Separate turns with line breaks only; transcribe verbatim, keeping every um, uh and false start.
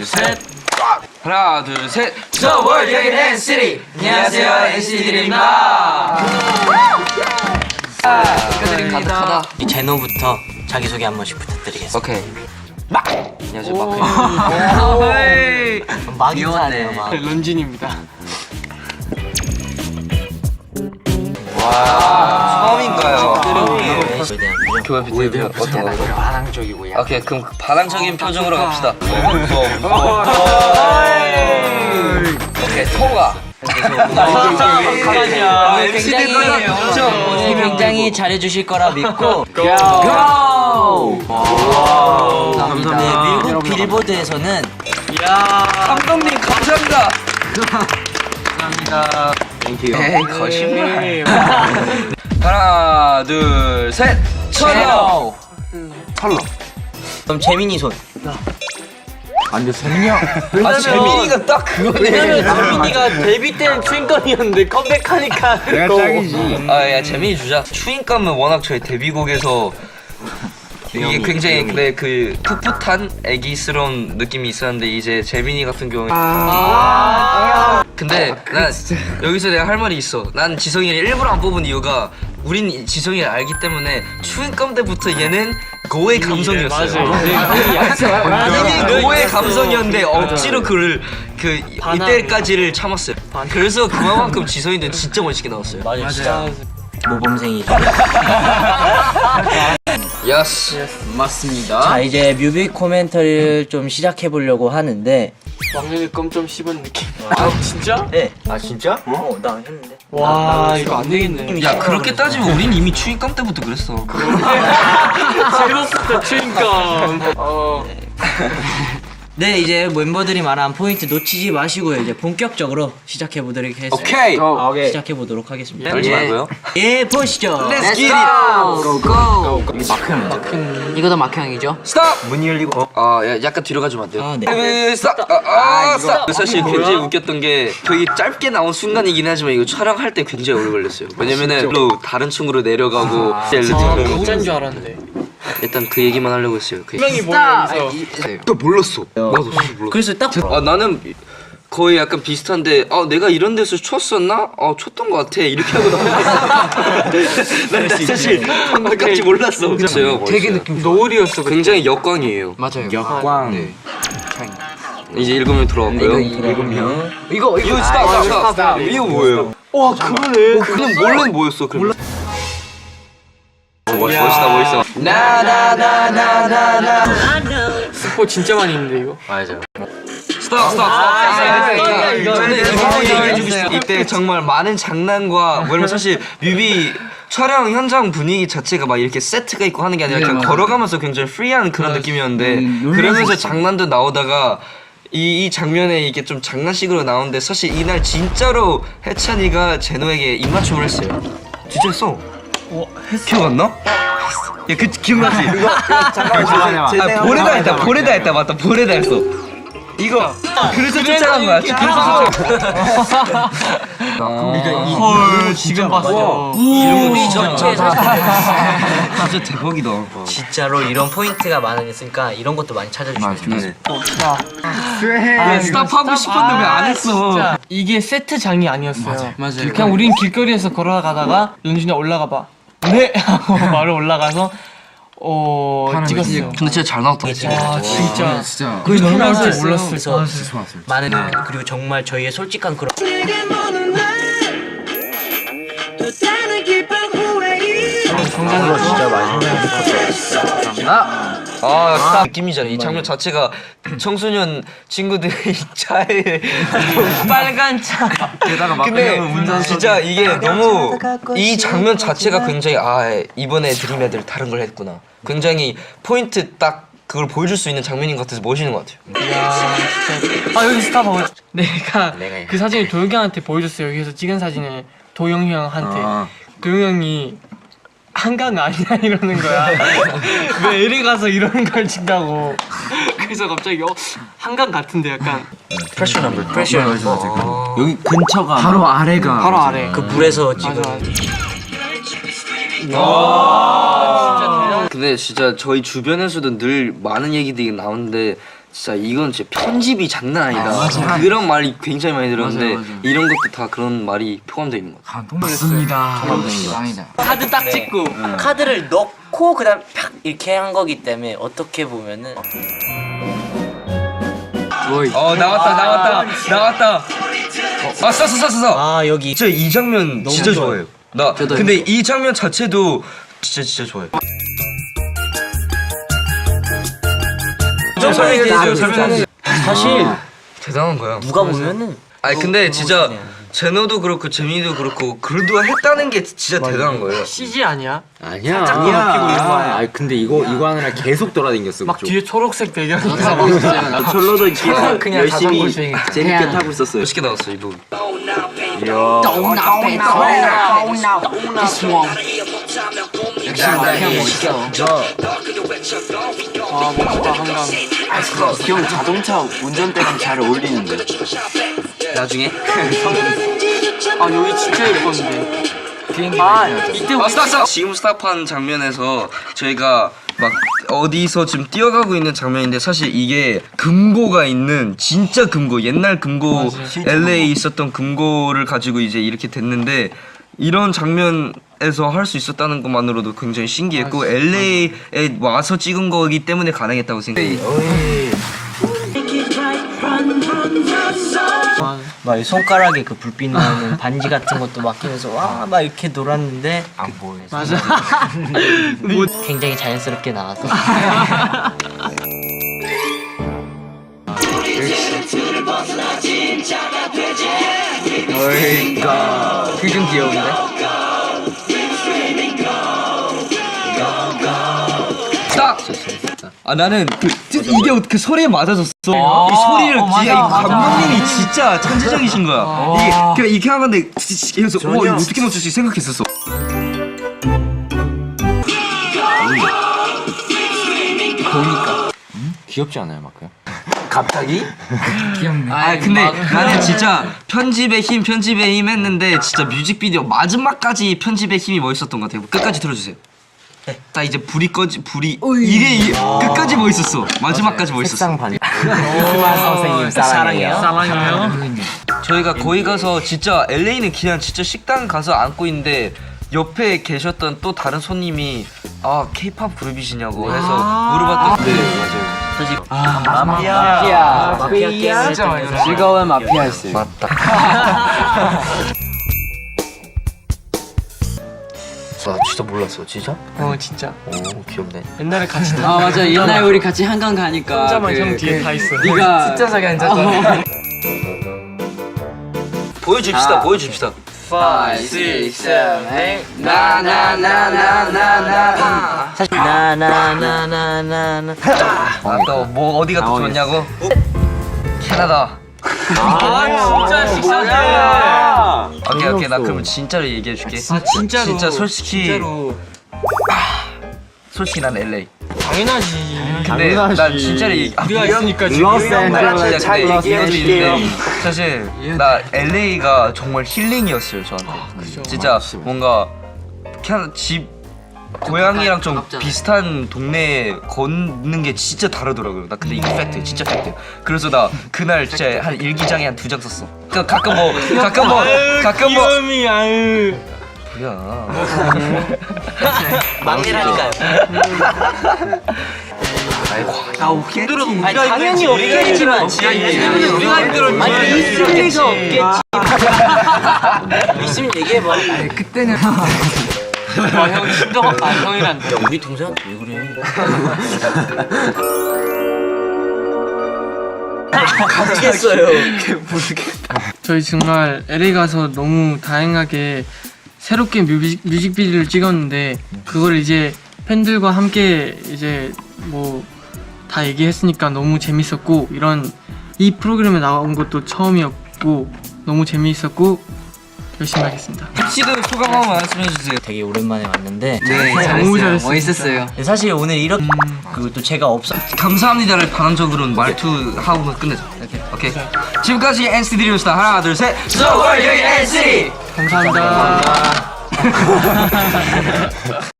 셋.
하나 둘 셋.
The World Young 엔시티. 안녕하세요, 엔시티들입니다.
축하드립니다.
이 제노부터 자기소개 한 번씩 부탁드리겠습니다.
오케이. 막. 안녕하세요, 마크.
막 인사하네요, 막.
런쥔입니다.
와, 처음인가요?
교회
교회 비대면 어떤 거?
반항적이고 약.
오케이, 그럼 반항적인 표정으로 갑시다. 오케이, 통과.
굉장히 오늘 굉장히 잘해주실 거라 믿고 고! 감사합니다. 네, 미국 빌보드에서는
감독님 감사합니다.
감사합니다.
에이, 거짓말. 하나 둘 셋. 철로.
철로. 그럼 재민이 손.
안돼 재민이 형.
아, 재민이가 딱 그거네.
재민이가 데뷔 때는 추인건이었는데 컴백하니까
내가 짱이지.
아, 야, 재민이 주자. 추인감은 워낙 저희 데뷔곡에서 이게 굉장히 네, 그 풋풋한 애기스러운 느낌이 있었는데 이제 재민이 같은 경우에 아 근데 난 여기서 내가 할 말이 있어. 난 지성이를 일부러 안 뽑은 이유가 우린 지성이를 알기 때문에 추인감 때부터 얘는 고의 감성이었어요. 이미 고의 감성이었는데 억지로 그를 그 이때까지를 참았어요. 그래서 그만큼 지성이는 진짜 멋있게 나왔어요.
맞아요. 진짜 모범생이죠.
예스.
맞습니다.
자, 이제 뮤비 코멘터리를 좀 시작해 보려고 하는데
왕년의 껌 좀 씹은 느낌. 아 진짜?
네. 아 진짜? 어, 나 했는데.
와 이거 안 되겠네.
야, 그렇게 따지면 우린 이미 추인감 때부터 그랬어.
제로스터 추인감. 어.
네, 이제 멤버들이 말한 포인트 놓치지 마시고요. 이제 본격적으로 시작해 보도록 하겠습니다.
오케이.
오케이.
시작해 보도록 하겠습니다.
떨지 말고요.
예, 보시죠.
Let's get it.
Go, go. 이거 다 마크형이죠?
스탑. 문이 열리고. 어, 아, 야, 약간 뒤로 가주면 안 돼요?
아, 네.
네. 스탑. 아, 아, 스탑. 사실 굉장히 웃겼던 게 되게 짧게 나온 순간이긴 하지만 이거 촬영할 때 굉장히 오래 걸렸어요. 왜냐면은 로 다른 층으로 내려가고
진짜인 줄 알았는데.
일단 그 얘기만 하려고 했어요. 그
분명히 모르면서.
또 몰랐어. 나도 사실 몰랐어.
그래서 딱
아, 나는 거의 약간 비슷한데 아 내가 이런 데서 췄었나? 어 췄던 것 같아 이렇게 하고 넘어갔어. 난 사실 방금까지 몰랐어. 그랬어요.
되게 느낌 노을이었어.
굉장히 역광이에요.
맞아요.
역광. 네. 이제 일곱 명 들어왔고요.
일곱 명.
이거
이거 스탑 스탑 스탑. 이거 뭐예요?
와 그러네.
그냥 몰래 뭐였어? 그럼. 멋있, 멋있다 멋있어. 나나나나나나.
스포 진짜 많이 있는데 이거.
맞아. 스탑 스탑 스탑. 저는 이거 얘기해주고 싶어요. 이때 정말 많은 장난과 왜냐면 사실 뮤비 촬영 현장 분위기 자체가 막 이렇게 세트가 있고 하는 게 아니라 그냥 걸어가면서 굉장히 프리한 그런 느낌이었는데 그러면서 장난도 나오다가 이, 이 장면에 이게 좀 장난식으로 나오는데 사실 이날 진짜로 해찬이가 제노에게 입맞춤을 했어요. 진짜 했어. 어, 기억 안 나? 야, 그 기억나지? 이거, 이거 잠깐만. 아, 볼에다 했다. 볼에다 했다. 맞다. 볼에다 했어. 이거 그래서 쫓아간 거야. 그래서 쫓아간
헐 지금 봤어.
이름이 전체에서
진짜 대박이다.
진짜로 이런 포인트가 많으니까 이런 것도 많이 찾아주시면 좋겠습니다.
아, 스탑하고 싶었는데 왜 안 했어?
진짜 이게 세트장이 아니었어요.
맞아요.
그냥 우린 길거리에서 걸어가다가 연준이 올라가 봐. 네 하고 바로 올라가서 어 찍었어요.
근데 진짜 잘 나왔다.
와 진짜
진짜
그게 너무
나올
나올
줄
줄 몰랐어요.
그래서 많은 그리고 정말 저희의 솔직한 그런
정상으로 진짜 많이
아, 아, 스탑 느낌이잖아. 이 장면 자체가 청소년 친구들이 차에
빨간 차.
근데 진짜 이게 너무 이 장면 자체가 굉장히 아 이번에 드림 애들 다른 걸 했구나. 굉장히 포인트 딱 그걸 보여줄 수 있는 장면인 것 같아서 멋있는 것 같아요.
이야 진짜. 아 여기 스타 봐봐. 내가 그 사진을 도영이 형한테 보여줬어요. 여기서 찍은 사진을 도영이 형한테. 도영이 형이 한강 아니야 이러는 거야. 왜 이리 가서 이런 걸 찍다고. 그래서 갑자기 어 한강 같은데 약간.
프레셔 넘버.
프레셔
여기 근처가 바로 아래가
바로 아래.
그 불에서 지금
맞아. 와 진짜 대단.
근데 진짜 저희 주변에서도 늘 많은 얘기들이 나오는데 진짜 이건 진짜 편집이 장난 아니다.
아, 맞아.
그런 말이 굉장히 많이 들었는데
맞아, 맞아.
이런 것도 다 그런 말이 포함되어 있는 것 같아요.
맞습니다. 짱이다.
카드 딱 찍고 카드를 넣고 그다음 팍 이렇게 한 거기 때문에 어떻게 보면은
어 나왔다 나왔다 나왔다. 아 쐈어 쐈어 쐈어.
아 여기
진짜 이 장면 진짜
좋아요.
좋아해요. 나 근데 이 장면 자체도 진짜 진짜 좋아해요.
설명해 주세요, 설명해. 사실
대단한 거야.
누가 보면은
아니 근데 진짜 제노도 그렇고 재민이도 그렇고 그래도 했다는 게 진짜 대단한 거예요.
씨지 아니야?
아니야.
아니야.
아 근데 이거 이거 하느라 계속 돌아다녔어.
막 뒤에 초록색 배경.
철로도 그냥,
그냥
열심히
자전거 주행.
재밌게 타고 있었어요.
멋있게 나왔어 이 부분.
아 멋있다 한강.
형 자동차 운전대랑 잘 어울리는데.
나중에.
아 여기 진짜 예뻤는데.
비행기
아
많이
이때
아
우리
스탑 스탑. 지금 스탑한 장면에서 저희가 막 어디서 지금 뛰어가고 있는 장면인데 사실 이게 금고가 있는 진짜 금고 옛날 금고 엘에이에 있었던 금고를 가지고 이제 이렇게 됐는데 이런 장면에서 할 수 있었다는 것만으로도 굉장히 신기했고 엘에이에 와서 찍은 거기 때문에 가능했다고 생각해요.
막 손가락에 그 불빛 나는 반지 같은 것도 막 끼면서 와 막 이렇게 놀았는데
안 보여.
맞아.
굉장히 자연스럽게 나와서
그게 좀 귀여운데? 딱! 아 나는 그 이게 어떻게 소리에 맞아졌어. 이 소리를
어, 맞아,
진짜 이
맞아.
감독님이 진짜 천재적이신 거야. 이게 그냥 이렇게 한 건데 그래서 와 이거 어떻게 맞출지 생각했었어.
귀엽지 않아요, 마크야? 갑자기?
아 근데 나는 진짜 편집의 힘 편집의 힘 했는데 진짜 뮤직비디오 마지막까지 편집의 힘이 멋있었던 것 같아요. 끝까지 들어주세요. 딱 이제 불이 꺼지 불이 이게 이, 끝까지 멋있었어. 마지막까지 멋있었어.
색상 반. 그만 선생님 사랑해요.
사랑해요.
저희가 거기 가서 진짜 엘에이는 그냥 진짜 식당 가서 앉고 있는데 옆에 계셨던 또 다른 손님이 아 케이팝 그룹이시냐고 해서 물어봤더니 네 맞아요.
사실
마피아.
마피아 마피아 게임을
진짜 많이
했던
즐거운 마피아였어요.
맞다. 아 진짜 몰랐어 진짜?
어 진짜.
오 귀엽네.
옛날에 같이
아 맞아 옛날 우리 같이 한강 가니까
혼자만
그-
형 뒤에 다 있어.
네가
진짜 자기 앉았잖아.
보여줍시다 보여줍시다.
five, six, seven, eight.
나나나나나나나.
사실 나나나나나나
아또뭐 어디가 또 좋냐고? 캐나다.
아 진짜 식사들.
오케이 오케이 나 그럼 진짜로 얘기해 줄게.
아 진짜로.
진짜 솔직히
진짜로.
솔직히 난 엘에이.
당연하지.
근데 난 진짜로 얘기. 아,
우리가 있으니까 지금.
진짜
잘
근데 이것도
얘기해줄게요.
있는데 사실 나 엘에이가 정말 힐링이었어요 저한테. 진짜 뭔가 그냥 집 고향이랑 좀 비슷한 동네에 걷는 게 진짜 다르더라고요. 나 근데 이게 팩트, 진짜 팩트. 그래서 나 그날 진짜 한 일기장에 한 두 장 썼어. 그 가끔 뭐 가끔 뭐 가끔 뭐
귀염이 아유.
뭐야?
막내라니까요.
아 힘들어도 우리가
당연히 없겠지만
우리가 힘들었지.
아니 있을 리가 없겠지. 있으면 얘기해봐.
그때는
아형 진짜 아 형이란.
야 우리 동생한테 왜 그래? 모르겠어요.
저희 정말 엘에이 가서 너무 다양하게 새롭게 뮤직, 뮤직비디오를 찍었는데 그걸 이제 팬들과 함께 이제 뭐 다 얘기했으니까 너무 재밌었고 이런 이 프로그램에 나온 것도 처음이었고 너무 재미있었고 열심히 하겠습니다.
씨도 소감 한번 말씀해 주세요.
되게 오랜만에 왔는데
네
너무 잘했어요.
멋있었어요.
사실 오늘 이렇게 그리고 또 제가 없어
감사합니다를 반항적으로는 말투 하고 끝내자. 오케이. 오케이. 지금까지 엔시티 드림스타 하나 둘 셋. So are you 엔시티.
감사합니다.